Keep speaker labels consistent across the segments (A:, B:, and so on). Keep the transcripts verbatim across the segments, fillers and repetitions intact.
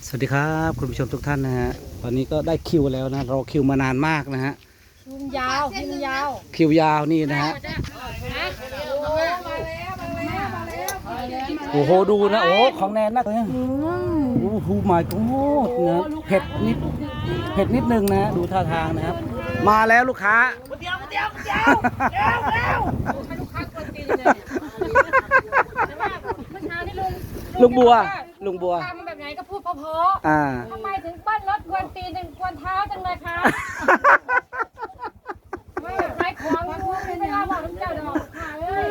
A: สวัสดีครับคุณผู้ชมทุกท่านนะฮะตอนนี้ก็ได้คิวแล้วนะรอคิวมานานมากนะฮะ
B: คิวยาวคิวยาว
A: คิวยาวนี่นะฮะโอ้โหดูนะโอ้ของแนนนักเลยโอ้โหหมายโอ้นะเผ็ดนิดเผ็ดนิดนึงนะดูท่าทางนะครับมาแล้วลูกค้าเดี๋ยวเดี๋ยวเดี๋ยวเดี๋ยวเดี๋ยวลูกค้ากวนตีนเลยแต่ว่าเมื่อเช้านี่ลุงลุงบัวลุงบัวทำแบบไหนก็พูดเพราะๆทำไมถึงปั้นรถกวนตีนถึงกวนเท้าจังเลยคะไม่แบบขายของไม่ได้บอกน้ำเจ้าดอกค่ะเอ้ย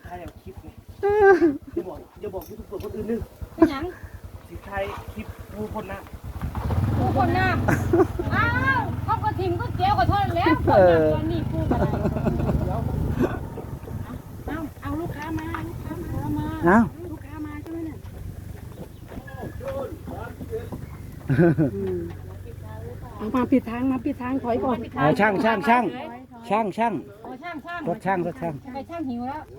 C: อย่าบอกอย่าบอกยูทูบเบอร์คนอื่นนึง
B: เป็นหยัง
C: สิไทยคลิปผู้คนนะ
B: ผู้คนน้ำอ้าวเขาก็ทิมก็เจียวขอโทษแล้วคนน้ำตอนนี้ผู้กันเอาเอาลูกค้ามาลูกค้ามา
A: เอา
B: ลูกค้ามาใช่ไหมเนี่ยเอามาปิดทางมาปิดทางถอยก่อน
A: เอาช่างช่างช่างช่างช่าง
B: ช่างช่าง
A: รถช่างรถช่าง
B: ไปช่างหิวแล้ว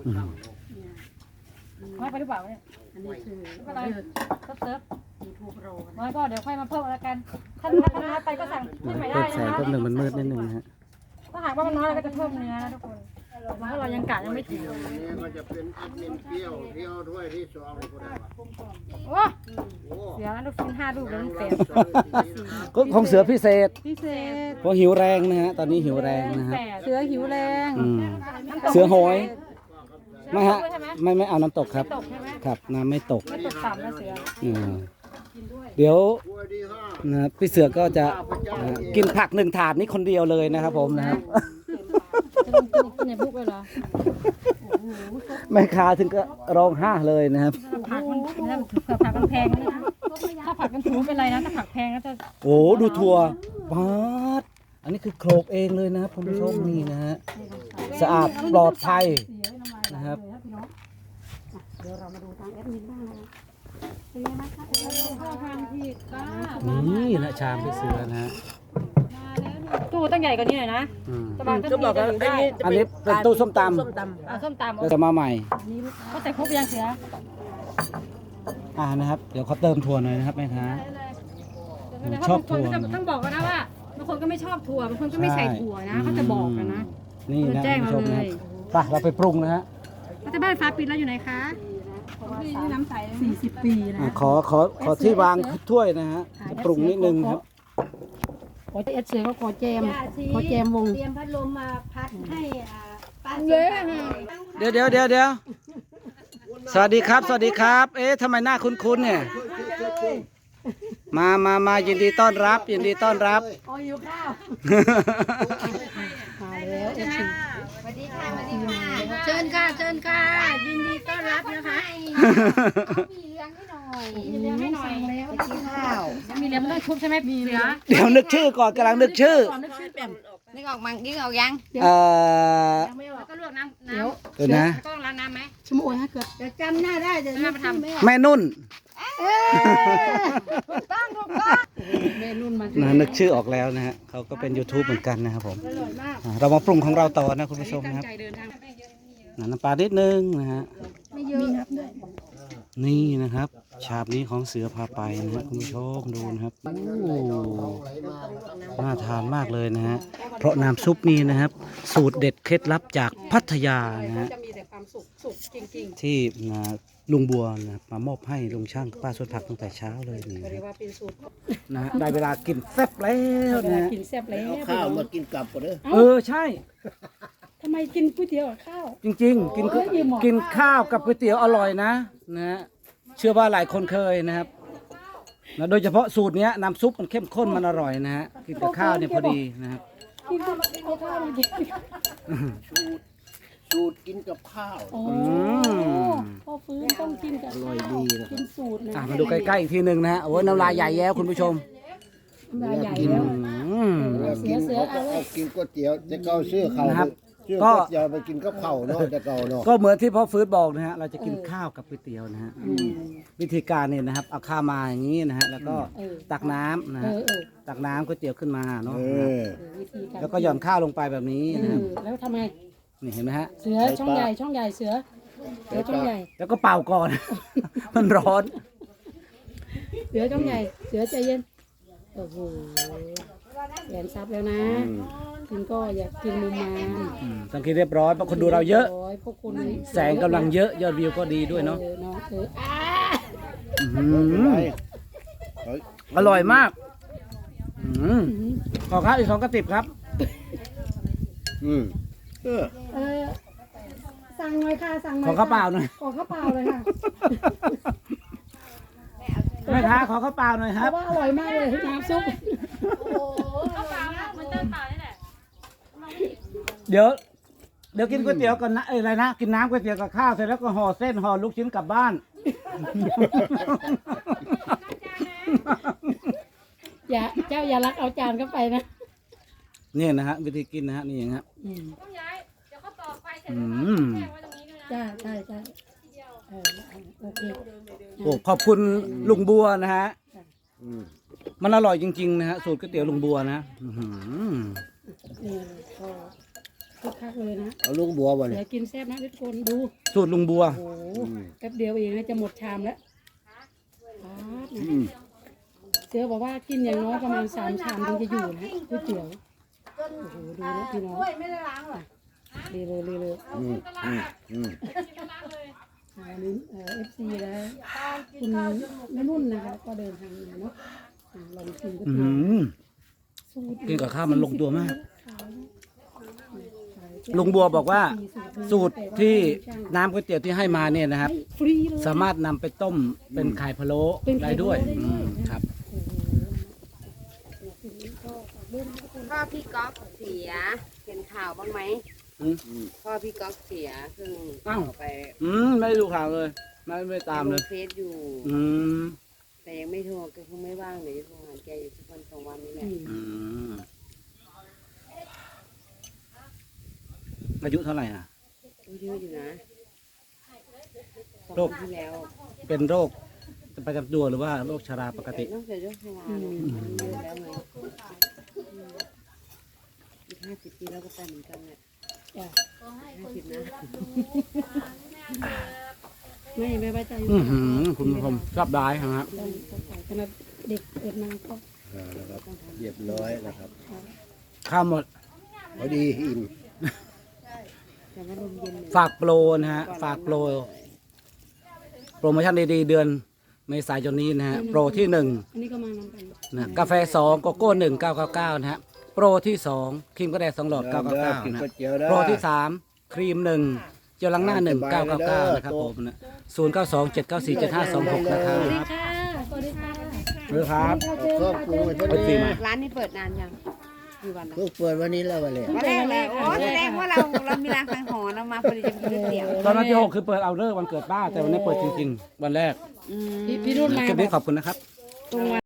B: น้อยไปหรือเปล่าเนี่ยอันนี้คืออะไรเซิร์ฟเซิร์ฟน้อยก็เดี๋ยวค่อยมาเพิ่มแล้วกันถ้าถ้าน้อยไปก็สั่งขึ้นใหม่ได้นะคะ
A: แสงก็หนึ่งมันมืดนิดนึงนะฮะ
B: ถ้าหากว่ามันน้อยเราก็จะเพิ่มเนื้อนะทุกคนเพราะเรายังกะยังไม่ถึง
D: นี่ก็จะเป็นแอดมินเปรี้ยวเที่ยวด้วยที่สองคนละ
B: โอ้เสือลูกชิ้นห้าลูกแล้วลูกเศษ
A: ก็ของเสือพิเศษ
B: พิเศษ
A: เพราะหิวแรงนะฮะตอนนี้หิวแรงนะฮะ
B: เสือหิวแรง
A: เสือโหยไม่ฮะไม่ไม่เอาน้ำตกครับครับน้ำไม่ตก
B: ไม่ตกต่ำนะเสือ
A: เดี๋ยวนะพี่เสือก็จะกินผักหนึ่งถาดนี้คนเดียวเลยนะครับผมนะครับ
B: จะลงกินในบุกเลยเหรอ
A: แม่ค้าถึงก็ร้องไห้เลยนะครับ
B: ผักมันผักมันแพงนะถ้าผักมันถูเป็นไรนะถ้าผักแพงก็จะ
A: โอ้ดูถั่วบาดอันนี้คือโขลกเองเลยนะครับคุณผู้ชมนี่นะฮะสะอาดปลอดภัยนะครับ
B: เดี๋ยวเรามาดูทางแอดมินบ้างนะเป็นไงบ้างคะเข้าทางผิดป้า
A: นี่นะชามพี่เสือนะฮะ
B: ตู้ตั้งใหญ่กว่านี้หน่อยนะ
C: จะบอกว่าอันนี้
A: อันนี้เป็นตู้ส้มตำ
B: ส้มตำอ่าส้มตำ
A: เราจะมาใหม่
B: เขาใส่ครบยังเสือ
A: อ่านะครับเดี๋ยวเขาเติมถั่วหน่อยนะครับแม่ค้า
B: ชอบถั่วต้องบอกกันนะว่าบางคนก็ไม่ชอบถั่วบางคนก็ไม่ใส่ถั่วนะเขาจะบอกกันนะ
A: นี่นะคุณผู้ชมนะไปเราไปปรุงนะฮะ
B: รัฐบาลฟ้าปิดแล้วอยู่ไหนคะน้ำใสสี่สิบปีนะ
A: ขอขอขอที่วางถ้วยนะฮะปรุงนิดนึงครับ
B: ขอเอสเสือก็ขอแจมขอแจมวง
E: เตรียมพัดลมมาพัดให้ป้า
A: เดี๋ยวเดี๋ยวเดี๋ยวเดี๋ยวสวัสดีครับสวัสดีครับเอ๊ะทำไมหน้าคุ้นๆเนี่ยมามามายินดีต้อนรับยินดีต้อนรับ
B: อ๋ออยู่ข้าวมาแล้วเอฟซี
E: สวัสดีค่ะสวัสดีค่ะเชิญค่ะเชิญค่ะยินดีต้อนรับนะคะมีเลี้ยงให้หน่อย
B: มีเลี้ยงให้หน่อย
E: แล้วกินข้าว
B: มีเลี้ยงไม่ต้องชุบใช่ไหมมีเสือ
A: เดี๋ยวนึกชื่อก่อนกำลังนึกชื่อ
B: นึกชื่อแปม
E: นึกออกมั้งนึกออกยัง
A: เอ่
B: อแล้วก็ลวกน้ำน้ำ
A: เดี๋ยวนะ
B: ก็ล้างน้ำไหม
E: ชั่วโมงให้เกิดจะจำหน้าได้จะ
B: ไม่มาท
A: ำแม่นุ่น
E: ถูกต้องถูกต้อง
B: แม่นุ่นมา
A: นะนึกชื่อออกแล้วนะฮะเขาก็เป็น ยูทูบ เหมือนกันนะครับผมเรามาปรุงของเราต่อนะคุณผู้ชมนะครับน้ำปลานิดนึงนะฮะ
B: ไม่เยอะ
A: นี่นะครับชาบนี้ของเสือพาไปนะฮะคุณผู้ชมดูนะครับโอ้น่าทานมากเลยนะฮะเพราะน้ำซุปนี้นะครับสูตรเด็ดเคล็ดลับจากพัทยานะฮะที่ลุงบัวนะมามอบให้ลุงช่างป้าสวนผักตั้งแต่เช้าเลยนี่นะได้เวลากินแซ่บแล้วนะ
B: กินแซ่บแล้ว
D: ข้าวมากินกลับก่อนเด้อ
A: เออใช่
B: ทำไมกินก๋วยเตี๋ยวกับข้าว
A: จริงๆกินกินข้าวกับก๋วยเตี๋ยวอร่อยนะนะเชื่อว่าหลายคนเคยนะครับนะโดยเฉพาะสูตรนี้น้ำซุปมันเข้มข้นมันอร่อยนะฮะกินกับข้าวเนี่ยพอดีนะครับ
B: กินกับข้าวมันกิน
D: สูตรกินกับข้าว
B: โอ้พอฟื้นต้องกินกับข้าวกินสูตรเลย
A: มาดูใกล้ๆอีกทีหนึ่งนะฮะโอ้น้ำลายใหญ่แล้วคุณผู้ชม
B: น้ำลายใหญ่แล้ว
D: เสือเสือเอากินก๋วยเตี๋ยวจะเกาเสื้อเขาก็จะไปกินกับข้าวเนาะจะเกาเนาะ
A: ก็เหมือนที่พ่อฟื้นบอกนะฮะเราจะกินข้าวกับก๋วยเตี๋ยวนะฮะวิธีการเนี่ยนะครับเอาข้าวมาอย่างนี้นะฮะแล้วก็ตักน้ำนะฮะตักน้ำก๋วยเตี๋ยวขึ้นมาเนาะแล้วก็หย่อนข้าวลงไปแบบนี้นะครับ
B: แล้วทำไง
A: นี่เห็นไหมฮะ
B: เสือช่องใหญ่ช่องใหญ่เสือเสือช่องใหญ่
A: แล้วก็เป่าก่อนมันร้อน
B: เสือต้องใหญ่เสือใจเย็นโอ้โหแหวนซับแล้วนะกินก็อยากกินมุมมาม
A: อืมสังเกตเรียบร้อยเพราะคนดูเราเยอะ
B: ร้อยพวกคุณ
A: แสงกำลังเยอะยอดวิวก็ดีด้วยเนาะ
B: เออเนาะเอออ่า
A: อื้อหืออร่อยมากอืมขอข้าวอีกสองกระติบครับ
D: อืมเออ
B: เออสั่งหน่อยค่ะสั่งหน่อย
A: ขอข้าวเปล่าหน่อย
B: ขอข้าวเปล่าเลยค่ะ
A: แม่ค้าขอข้าวเปล่าหน่อยค
B: เพ
A: รับ
B: ราะว่าอร่อยมากเลยน้ำซุป
A: เดี๋ยว เดี๋ยวกินก๋วยเตี๋ยวก่อนนะเอ้ยอะไรนะกินน้ำก๋วยเตี๋ยวกับข้าวเสร็จแล้วก็ห่อเส้นห่อลูกชิ้นกลับบ้าน
B: อย่าเจ้าอย่ารักเอาจานเข้าไปนะ
A: นี่นะฮะวิธีกินนะฮะนี่อย่างเงี้ย
B: อืม
A: อืม
B: จ้าใช่ใช่เออโอเค
A: โอ้ขอบคุณลุงบัวนะฮะ
D: อืม
A: มันอร่อยจริงๆนะฮะสูตรก๋วยเตี๋ยวลุงบัวนะอื้อหือ
B: นี่ก็คึกคักเลยนะ
D: เอาลุงบัวบ่
B: เดี๋
D: เนี่ย
B: ยวกินแซ่บนะทุกคนดู
A: สูตรลุงบัว
B: โอ้โหแป๊บเดียวเองนะจะหมดชามแล้วป๊าดนะ
D: อืม
B: เสือบอกว่ากินอย่างน้อยประมาณสามชามถึงจะอยู่นะก๋วยเตี๋ยวโอ้โหดูนะพี่น้องดีเลยดีเลย
D: อืมอืมอืม
B: อันนี้เอ่อฟซีแล้วคุณแม่นุ่นนะคะก็เดินทางมาเนาะอ่าลองชิมก๋วย
A: อื
B: เตี๋ยว
A: ม
B: สูตร
A: กินกับข้าวมันลงตัวมาก ลุงบัวบอกว่า สูตรที่น้ำก๋วยเตี๋ยวที่ให้มาเนี่ยนะครับ
B: ฟรีเลย
A: สามารถนำไปต้มเป็นไข่พะโล้ได้ด้วยอืมครับ
E: พ่อพี่ก๊อกเสียเห็นข่าวบ้างไหม
A: อืม
E: พ่อพี่ก๊อกเสียเพิ่ง
A: อ้าว
E: ออกไป
A: อืมไม่ดูข่าวเลยไม่ไม่ตามเลย
E: เฟซอยู่
A: อืม
E: แต่ยังไม่โทรแกคงไม่ว่างเดี๋ยวจะโทรหาแกอยู่สักวันสองวันนี้แหละ
A: อืมอายุเท่าไหร่อ่ะ
E: อายุเยอะอยู่นะสอง
A: โรค
E: ปีที่แล้ว
A: เป็นโรคประจำตัวหรือว่าโรคชราปกติ
E: นอกจากโรคชราเนี่ยมันเยอะแล้วไงอีกห้าสิบปีแล้วก็ไปเหมือนกันแหละ
B: จ้ะ
E: ห้าสิบนะ
B: ไม่ไม่ไว้ใจ
A: อือหือคุณผู้ชมชอบได้ครับ
B: ต้องต้องใส่ขนาดเด็กเกิดมาก็
D: อ่านะครับเรียบร้อยนะครับ
A: ข้าวหมด
D: พอดีอิ่ม
E: แต่ว่าลมเย็นเลย
A: ฝากโปรนะฮะ ฝากโปร โปรโมชั่นดีๆเดือนเมษายนนี้นะฮะ โปรที่หนึ่ง
B: อันนี้ก็มานำกัน
A: นะกาแฟสองโกโก้หนึ่งเก้าเก้าเก้านะฮะ โปรที่สองครีมกระแดดสองหลอดเก้าเก้าเก้า
D: กิน
A: นะ
D: ก๋วยเตี๋ยวได้
A: โปรที่สามครีมหนึ่งเจลล้างหน้าหนึ่งเก้าเก้าเก้านะครับผมนะศูนย์เก้าสองเจ็ดเก้าสี่เจ็ดห้าสองหกนะครับ
B: สวัสดีค่ะสวัสดีค่ะ
A: หรือครับ
D: เอาครอบครัวไป
A: ไปสี่มา
E: ร้านนี้เปิดนานยังกี่วันนะ
D: เพิ่งเปิดวันนี้แล้ววันเลย
E: วันแรกเลยโอ้แสดงว่าเราเรามีรางสังหรณ์เรามาพอดีจะกินก๋วยเตี๋ยว
A: ตอนนั้นที่หกคือเปิดเอาเลิกวันเกิดป้า แต่วันนี้เปิดจริงๆ วันแรก
E: อืม
B: พี่พี่รุ่นมา
A: คลิปนี้ขอบคุณนะครับ
B: ตรงวัน